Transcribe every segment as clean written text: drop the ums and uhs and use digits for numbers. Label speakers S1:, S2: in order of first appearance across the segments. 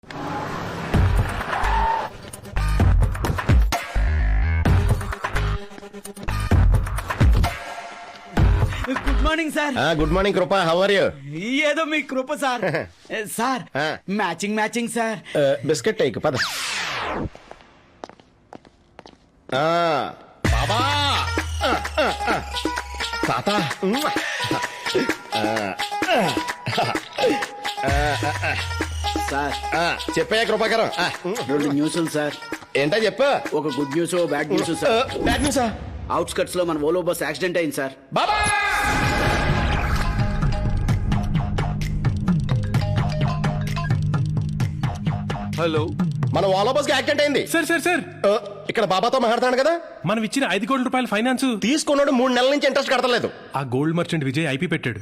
S1: Good morning sir.
S2: Good morning Krupa, how are you?
S1: ఏదో మీ Krupa sir. Sir matching matching sir.
S2: Biscuit టైక్ పద. బాబా తాత
S1: సార్
S2: చెప్పాయా కృపాకరం?
S1: 2 న్యూస్లు సార్.
S2: ఏంటా చెప్పు.
S1: ఒక good news, bad news sir.
S2: బ్యాడ్ న్యూసా?
S1: అవుట్స్కట్స్ లో మన ఓలో బస్ యాక్సిడెంట్ అయింది సార్.
S2: బాబా
S3: హలో,
S2: మన ఓలా బస్ కి యాక్సిడెంట్ అయింది.
S3: సార్ సార్ సార్
S2: ఇక్కడ బాబాతో మాట్లాడుతున్నాడు కదా.
S3: మనం ఇచ్చిన 5 కోట్ల రూపాయల ఫైనాన్స్
S2: తీసుకున్నాడు, 3 నెలల నుంచి ఇంట్రెస్ట్ కడతలేదు.
S3: ఆ గోల్డ్ మర్చెంట్ విజయ్ ఐపీ పెట్టాడు.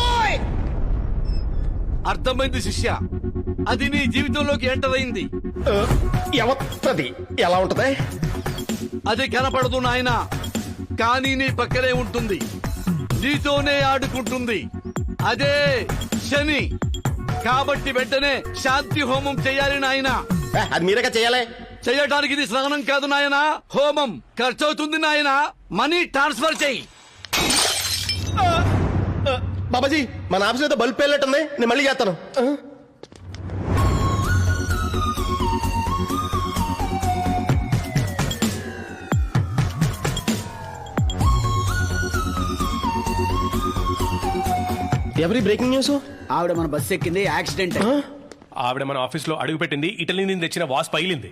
S4: అర్థమైంది శిష్య, అది నీ జీవితంలోకి ఎంటర్ అయింది.
S2: ఎవత్తది ఎలా ఉంటది?
S4: అది కనపడదు నాయనా, కానీ నీ పక్కనే ఉంటుంది, నీతోనే ఆడుకుంటుంది. అదే శని. కాబట్టి వెంటనే శాంతి హోమం చేయాలి నాయనా.
S2: అది మీరేగా చేయాలి.
S4: చేయటానికి ఇది స్నానం కాదు నాయనా, హోమం. ఖర్చు అవుతుంది నాయనా, మనీ ట్రాన్స్ఫర్ చేయి.
S2: బాబాజీ మన ఆఫీస్ ఏదో బల్బ్ పేలినట్టుంది, నేను మళ్ళీ చేస్తాను. ఎవరి బ్రేకింగ్ న్యూస్?
S1: ఆవిడ మన బస్ ఎక్కింది, యాక్సిడెంట్.
S3: ఆవిడ మన ఆఫీస్ లో అడుగు పెట్టింది, ఇటలీ నుంచి తెచ్చిన వాస్ పగిలింది.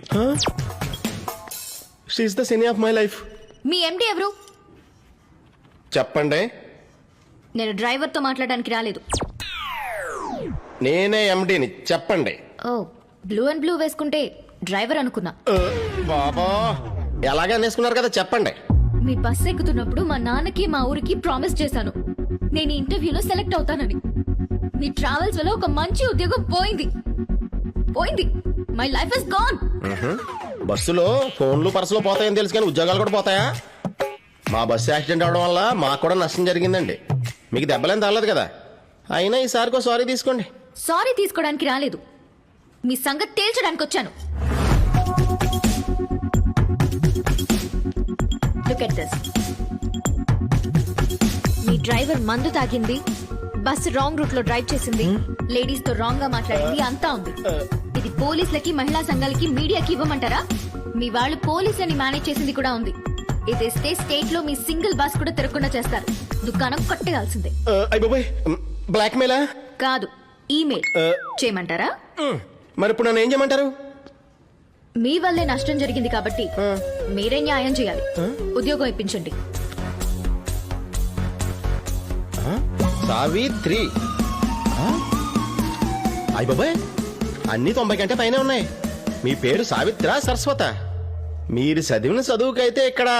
S2: She is the Shani of my life.
S5: మీ ఎండి ఎవరు?
S2: చెప్పండి.
S5: నేను డ్రైవర్ తో మాట్లాడడానికి రాలేదు.
S2: నేనే ఎండిని. చెప్పండి.
S5: ఓ, బ్లూ అండ్ బ్లూ వేసుకుంటే డ్రైవర్ అనుకున్నా.
S2: బాబా ఎలాగా అనేసుకున్నారు కదా, చెప్పండి.
S5: మీ బస్ ఎక్కుతున్నప్పుడు మా నాన్నకి మా ఊరికి ప్రామిస్ చేశాను, నేను ఈ ఇంటర్వ్యూలో సెలెక్ట్ అవుతానని. మీ ట్రావెల్స్ వల్ల ఒక మంచి ఉద్యోగం పోయింది. My life is gone.
S2: బస్సులో ఫోన్లు పర్సులు పోతాయని తెలుసు, కానీ ఉద్యోగాలు కూడా పోతాయా? మా బస్సు యాక్సిడెంట్ అవడం వల్ల మాకు కూడా నష్టం జరిగిందండి. మీకు దెబ్బలేం తగలేదు కదా. అయినా ఈసారికో సారీ తీసుకోండి.
S5: సారీ తీసుకోవడానికి రాలేదు, మీ సంగతి తేల్చడానికి వచ్చాను. Look at this. మీ డ్రైవర్ మందు తాగింది, బస్సు రాంగ్ రూట్ లో డ్రైవ్ చేసింది, లేడీస్ తో రాంగ్ గా మాట్లాడింది, అంతా ఉంది. ఇది పోలీసులకి, మహిళా సంఘాలకి, మీడియాకి ఇవ్వమంటారా? మీ వాళ్ళు పోలీసులని మేనేజ్ చేసింది కూడా ఉంది. ఇది ఇస్తే స్టేట్ లో మీ సింగిల్ బస్ కూడా తిరగకుండా చేస్తారు. దుకాణం కొట్టేయాల్సిందే.
S2: బ్లాక్ మెయిలా?
S5: కాదు, ఈమెయిల్ చేయమంటారా?
S2: మరి ఇప్పుడు నన్ను ఏం చేయమంటారు?
S5: మీ వల్లే నష్టం జరిగింది కాబట్టి మీరే న్యాయం చేయాలి. ఉద్యోగం ఇప్పించండి.
S2: సావిత్రి. అయ్య బాబాయ్, అన్ని 90 కంటే పైన ఉన్నాయి. మీ పేరు సావిత్ర సరస్వత? మీరు చదివిన చదువుకైతే ఇక్కడ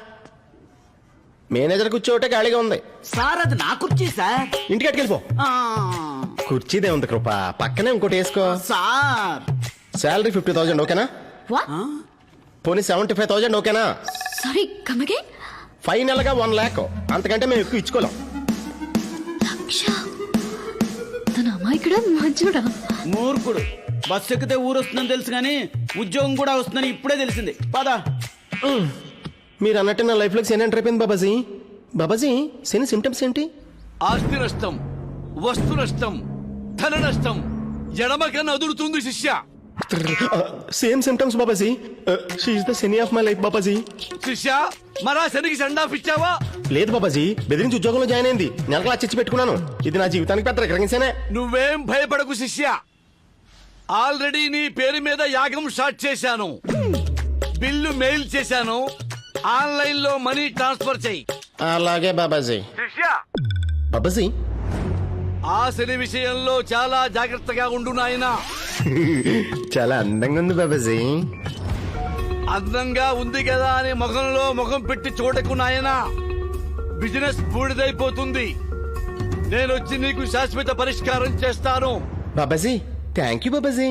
S2: మేనేజర్ కూర్చోటే ఖాళీగా ఉంది.
S1: సార్ అది నా కుర్చీ సార్.
S2: ఇంటికి అట్టుకెళ్ళిపో. కుర్చీదే ఉంది కృప, పక్కనే ఇంకోటి వేసుకో.
S1: సార్
S2: శాలరీ 50,000 ఓకేనా? పోనీ 75,000 ఓకేనా?
S5: Sorry, come again.
S2: ఫైనల్ గా 1 lakh. అంతకంటే మేము ఎక్కువ ఇచ్చుకోలేం.
S5: తన అమాయకుడా మంచోడా?
S1: మూర్ఖుడు. బస్సు ఎక్కితే ఊరు వస్తుందని తెలుసు కానీ ఉద్యోగం కూడా వస్తుందని ఇప్పుడే తెలిసింది. పదా.
S2: మీరు అన్నట్టు నా లైఫ్ లో శని ఎంటర్ అయిపోయింది బాబాజీ. బాబాజీ శని సిమ్టమ్స్ ఏంటి?
S4: ఆస్తి నష్టం, వస్తు నష్టం, ధన నష్టం. ఎడమ కన్నా అదురుతుంది శిష్య.
S2: Same symptoms Babaji. She is the Shani of my life Babaji.
S4: శిష్య, మరా శనికి సెండ్ ఆఫ్ ఇచ్చావా?
S2: లేదు బాబాజీ, బెదిరించి ఉద్యోగంలో జాయిన్ అయింది. నెలకు లక్ష పెట్టుకున్నాను. ఇది నా జీవితానికి పెద్ద రికగ్నిషనే.
S4: నువ్వేం భయపడకు శిష్య, ఆల్రెడీ నీ పేరు మీద యాగం స్టార్ట్ చేశాను. బిల్లు మెయిల్ చేశాను, ఆన్లైన్ లో మనీ ట్రాన్స్ఫర్ చేయి.
S2: అలాగే బాబాజీ.
S4: శిష్య,
S2: బాబాజీ
S4: ఆ శని విషయంలో చాలా జాగ్రత్తగా ఉండు నాయనా.
S2: చాలా అందంగా ఉంది బాబాజీ.
S4: అందంగా ఉంది కదా అని ముఖంలో ముఖం పెట్టి చూడకు నాయనా, బిజినెస్ బూడిదైపోతుంది. నేనొచ్చి నీకు శాశ్వత పరిష్కారం చేస్తాను.
S2: Babaji thank you Babaji.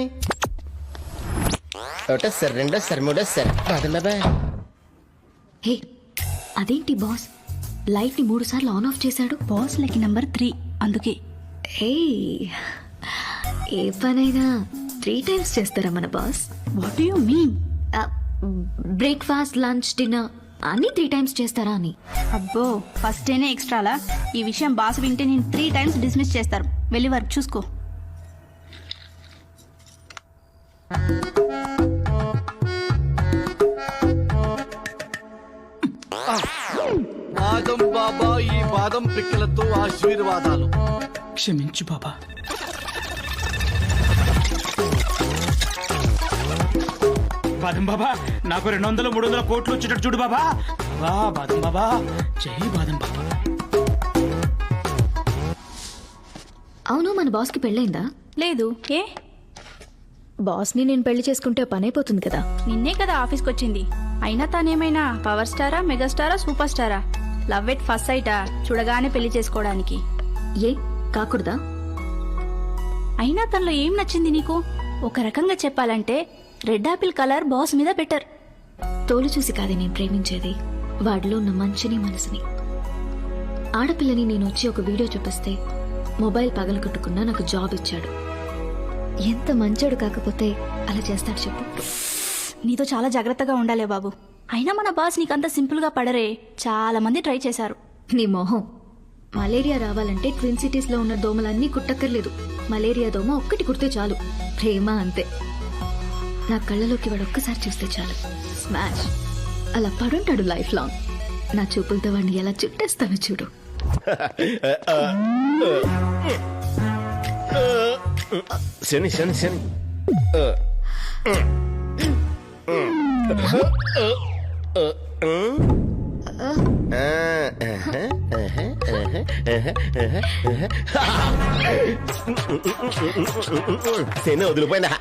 S2: ఒకటో సార్, రెండో సార్, మూడో సార్. బాబాయ్
S5: హే, అదేంటి బాస్ లైట్ ని 3 సార్లు ఆన్ ఆఫ్ చేశాడు?
S6: బాస్ లకి నంబర్ 3 అందుకే.
S5: హే, ఏ పనైనా 3 times చేస్తారా మన boss?
S6: What do you mean?
S5: Breakfast, lunch, dinner అన్ని 3 times చేస్తారా అని.
S6: అబ్బో ఫస్ట్ డేనే ఎక్స్ట్రాలా? ఈ విషయం బాస్ వింటే నేను 3 times డిస్మిస్ చేస్తారు. వెళ్ళి వర్క్ చూసుకో.
S4: బాదం బాబా ఈ బాదం పిక్కలతో ఆశీర్వాదాలు.
S1: క్షమించు బాబా. బాదం బాబా నాకు 200 300 కోట్లు వచ్చేటట్టు చూడు బాబా. వా బాదం బాబా, జై బాదం బాబా.
S5: అవును, మన బాస్ కి పెళ్ళైందా?
S6: లేదు. ఏ?
S5: బాస్ ని నేను పెళ్లి చేసుకుంటే పని అయిపోతుంది కదా.
S6: నిన్నే కదా ఆఫీస్కి వచ్చింది. అయినా తానేమైనా పవర్ స్టారా, మెగాస్టారా, సూపర్ స్టారా? లవ్ ఎట్ ఫస్ట్ సైటా? చూడగానే పెళ్లి చేసుకోవడానికి.
S5: ఏ కాకూడదా?
S6: అయినా తనలో ఏం నచ్చింది నీకు? ఒక రకంగా చెప్పాలంటే రెడ్ ఆపిల్ కలర్ బాస్ మీద బెటర్.
S5: తోలు చూసి కాదే నేను ప్రేమించేది, వాడిలో ఉన్న మంచిని మనసుని. ఆడపిల్లని నేను వచ్చి ఒక వీడియో చూపిస్తే మొబైల్ పగలగొట్టుకున్నా నాకు జాబ్ ఇచ్చాడు. ఎంత మంచోడు కాకపోతే అలా చేస్తాడు చెప్పు.
S6: నీతో చాలా జాగ్రత్తగా ఉండాలే బాబు. అయినా మన బాస్ నీకంత సింపుల్ గా పడరే. చాలా మంది ట్రై చేశారు.
S5: నీ మొహం. మలేరియా రావాలంటే ట్విన్ సిటీస్ లో ఉన్న దోమలన్నీ కుట్టక్కర్లేదు. మలేరియా దోమ ఒక్కటి కుడితే చాలు. ప్రేమ అంతే. నా కళ్ళలోకి వాడు ఒక్కసారి చూస్తే చాలు, స్మాష్. అలా పడుంటాడు లైఫ్ లాంగ్. నా చూపులతో వాడిని ఎలా చుట్టేస్తానో చూడు.
S2: శని శని శని శని వదిలిపోయిందా?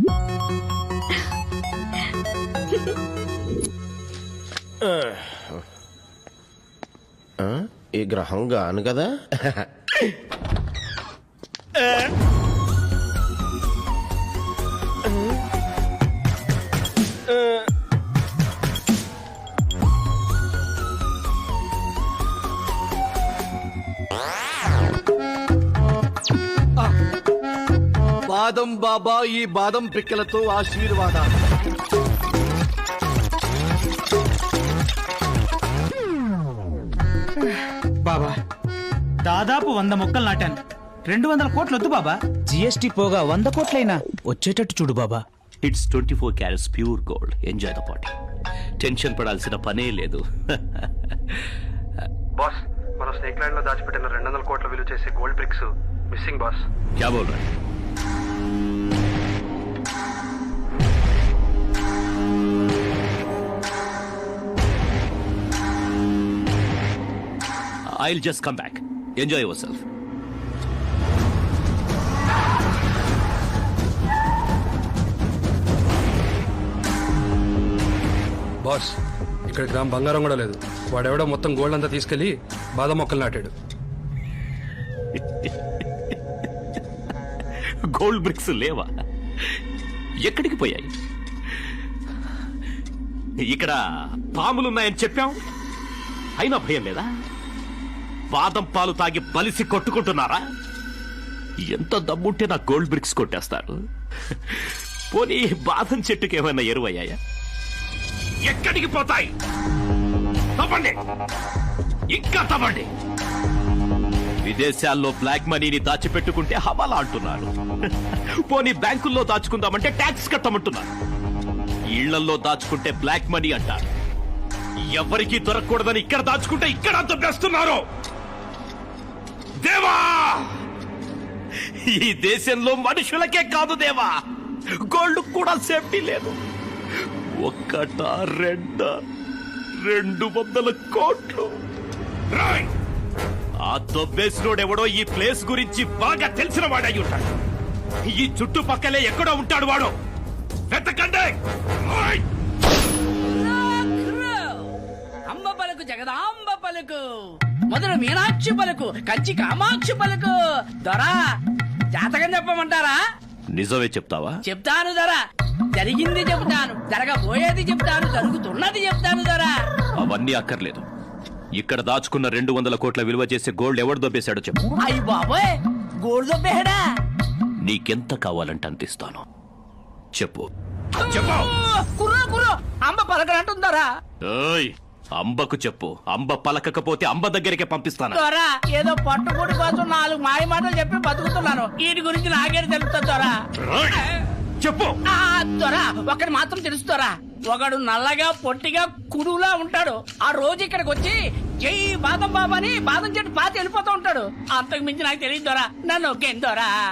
S2: ఈ గ్రహం గాను కదా.
S4: బాదం బాబా ఈ బాదం పిక్కలతో ఆశీర్వాదాలు.
S1: బాబా దాదాపు 100 మొక్కలు నాటాను. 200 కోట్లు వద్దు బాబా. జిఎస్టీ పోగా 100 కోట్లైనా వచ్చేటట్టు చూడు బాబా.
S7: It's 24 carats pure gold. Enjoy the party. Tension పడాల్సిన పనే లేదు.
S8: బాస్, మనం స్నేక్ ల్యాండ్ లో దాచిపెట్టిన 200 కోట్ల విలువ చేసే గోల్డ్ బ్రిక్స్ మిస్సింగ్ బాస్.
S7: క్యా బోల్ రహే? I'll just come back. Enjoy yourself.
S8: Boss, ఇక్కడ గ్రామ్ బంగారం కూడా లేదు. వాడెవడో మొత్తం గోల్డ్ అంతా తీసుకెళ్లి బాదం మొక్కలు నాటాడు.
S7: గోల్డ్ బ్రిక్స్ లేవా? ఎక్కడికి పోయాయి? ఇక్కడ పాములున్నాయని చెప్పాం, అయినా భయం లేదా? బాదం పాలు తాగి బలిసి కొట్టుకుంటున్నారా? ఎంత దమ్ముంటే నా గోల్డ్ బ్రిక్స్ కొట్టేస్తారు. పోనీ బాదం చెట్టుకి ఏమైనా ఎరువయ్యాయా? ఎక్కడికి పోతాయి? తప్పండి, ఇంకా తప్పండి. విదేశాల్లో బ్లాక్ మనీని దాచిపెట్టుకుంటే హవాలా అంటున్నారు. పోనీ బ్యాంకుల్లో దాచుకుందామంటే ట్యాక్స్ కట్టమంటున్నారు. ఇళ్లల్లో దాచుకుంటే బ్లాక్ మనీ అంటారు. ఎవరికి దొరకకూడదని ఇక్కడ దాచుకుంటే ఇక్కడ దొబ్బేస్తున్నారు. దేవా, ఈ దేశంలో మనుషులకే కాదు దేవా, గోల్డ్ కూడా సేఫ్టీ లేదు. ఒక్కటా రెండా 200 కోట్లు. రాయ్, ఆ దొబ్బేసినోడెవడో ఈ ప్లేస్ గురించి బాగా తెలిసిన వాడై ఉంటాడు. ఈ చుట్టుపక్కలే ఎక్కడో ఉంటాడు వాడు. వెతకండి. రాయ్.
S9: అంబ పలుకు జగదాంబ పలుకు, మధుర మీనాక్షి పలుకు, కంచి కామాక్షి పలుకు. దొరా, జాతకం చెప్పమంటారా?
S7: నిజమే చెప్తావా?
S9: చెప్తాను దొరా. జరిగింది చెప్తాను, జరగబోయేది చెప్తాను, జరుగుతున్నది చెప్తాను దొరా.
S7: అవన్నీ అక్కర్లేదు. ఇక్కడ దాచుకున్న 200 కోట్ల విలువ చేసే గోల్డ్ ఎవడు దొబ్బేశాడో చెప్పు.
S9: అయ్యి బాబోయ్, గోల్డ్ దొబ్బేహడా?
S7: నీకెంత కావాలంటే అంత ఇస్తాను. చెప్పు చెప్పు.
S9: కుర్రో కుర్రో అంబ పలకనంటుందోరా.
S7: ఏయ్, అంబకు చెప్పు. అంబ పలకకపోతే అంబ దగ్గరికే పంపిస్తాను.
S9: దొరా ఏదో పట్టుబడి కోసం 4 మాయ మాటలు చెప్పి బతుకుతున్నాను. వీటి గురించి నాకే తెలుస్తుంది దొరా.
S7: ఏయ్, చెప్పు.
S9: దొరా ఒకటి మాత్రం తెలుస్తారా, ఒకడు నల్లగా పొట్టిగా కుడులా ఉంటాడు. ఆ రోజు ఇక్కడికి వచ్చి జై బాదం బాబా అని బాదం చెట్టు పాతి వెళ్ళిపోతూ ఉంటాడు. అంతకు మించి నాకు తెలియదు దొరా. నన్ను ఒకేం దొరా.